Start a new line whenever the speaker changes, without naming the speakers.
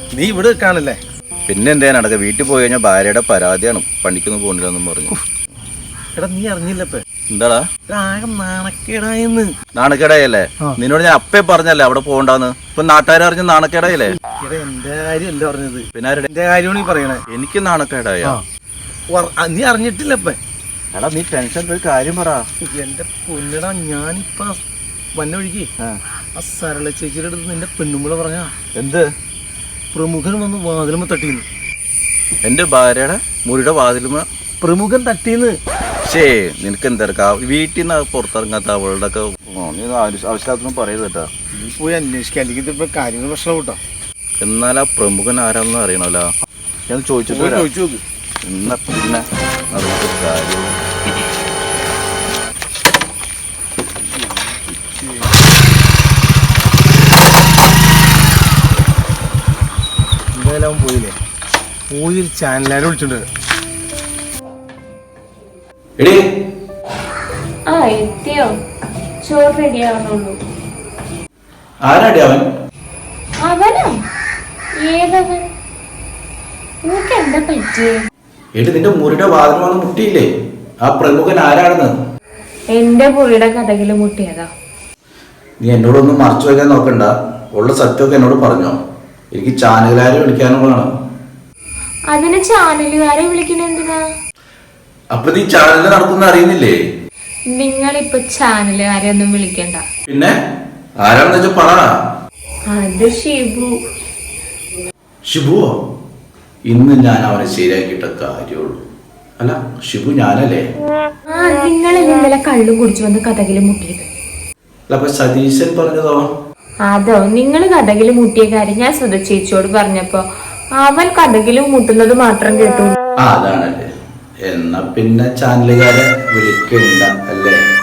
നീ ഇവിടെ നിൽക്കാണല്ലേ?
പിന്നെ എന്തേ നടക്ക? വീട്ടിൽ പോയി കഴിഞ്ഞാൽ ഭാര്യയുടെ പരാതിയാണ്, പണിക്കൊന്നും പോകണില്ലെന്നും പറഞ്ഞു.
എടാ നീ അറിഞ്ഞില്ലപ്പേ?
എന്താടാ
ആകെ നാണക്കേടായെന്ന്.
നാണക്കേടായല്ലേ? നിന്നോട് ഞാൻ അപ്പേ പറഞ്ഞല്ലേ അവിടെ പോകണ്ടെന്ന്. ഇപ്പൊ നാട്ടുകാരെ അറിഞ്ഞ നാണക്കേടായല്ലേ?
എടാ എന്റെ കാര്യമല്ല പറഞ്ഞത്,
പിന്നെ
എന്റെ കാര്യമാണ് ഈ പറയണേ.
എനിക്ക് നാണക്കേടായ
നീ അറിഞ്ഞിട്ടില്ലപ്പേ?
എടാ നീ ടെൻഷൻ ഒരു കാര്യം പറ.
എന്റെ പൊന്നിടാ, ഞാനിപ്പ വന്ന വഴിക്ക് ആ സരള ചേച്ചിയുടെ അടുത്ത് നിന്റെ പെണ്ണുമ്പള പറഞ്ഞ
എന്ത്?
പ്രമുഖൻ വന്ന് വാതിലുമ തട്ടീന്ന്.
എന്റെ ഭാര്യയുടെ മുറിയുടെ വാതിലുമ
പ്രമുഖൻ തട്ടീന്ന്.
ശേ നിനക്ക് എന്തെടുക്കാ? വീട്ടിൽ നിന്ന് പുറത്തിറങ്ങാത്ത അവളുടെ ഒക്കെ നീ ആവശ്യമില്ലാത്തൊന്നും പറയത് കേട്ടാ.
നീ പോയി അന്വേഷിക്കുക, അല്ലെങ്കിൽ ഇപ്പൊ കാര്യങ്ങൾ പ്രശ്നം കൂട്ടാ.
എന്നാൽ ആ പ്രമുഖൻ ആരാണെന്ന് അറിയണല്ലോ. ഞാൻ ചോദിച്ചിട്ട്
ചോദിച്ചു നോക്ക്.
എന്നാ പിന്നെ കാര്യം
എന്തായാലും പോയില്ലേ? പോയി ഒരു ചാനലുകാരെ വിളിച്ചോണ്ട്
എത്തിയോ? ചോറ് റെഡി ആവണുള്ളൂ.
ആരാടി അവൻ?
അവനോ? ഏതവൻ? നിനക്ക് എന്താ പറ്റിയേ?
എടി നിന്റെ മുറിയുടെ വാതിൽ വന്ന് മുട്ടിയില്ലേ? ആ പ്രമുഖൻ ആരാണെന്ന്?
എന്റെ മുറിയുടെ കഥകില് മുട്ടിയതാ.
നീ എന്നോടൊന്നും മറച്ചു വയ്ക്കാൻ നോക്കണ്ട. ഉള്ള സത്യമൊക്കെ എന്നോട് പറഞ്ഞോ. എനിക്ക് ചാനലുകാരെ വിളിക്കാനുള്ളതാണ്.
അതിന് ചാനലുകാരെ വിളിക്കണ എന്തിനാ?
അപ്പൊ നീ ചാനലിൽ നടക്കുന്ന അറിയുന്നില്ലേ?
നിങ്ങളിപ്പൊ ചാനലുകാരെ ഒന്നും വിളിക്കണ്ട.
പിന്നെ ആരാണെന്ന് വെച്ചാ പറ.
അത് ഷിബു.
ഷിബുവോ? ഇന്ന് ഞാൻ അവനെ ശരിയാക്കിയിട്ട കാര്യമുള്ളൂ. അല്ല ഷിബു ഞാനല്ലേ?
നിങ്ങൾ ഇന്നലെ കള്ളും കുടിച്ചു വന്ന് കഥകില് മുട്ടിയത്.
അല്ല അപ്പൊ സതീശൻ പറഞ്ഞതോ?
അതോ? നിങ്ങൾ കഥകില് മുട്ടിയ കാര്യം ഞാൻ സുധ ചേച്ചിയോട് പറഞ്ഞപ്പോ അവൻ കഥകില് മുട്ടുന്നത് മാത്രം കേട്ടു.
അതാണല്ലേ? എന്നാ പിന്നെ ചാനലുകാരെ വിളിക്കണ്ട അല്ലേ?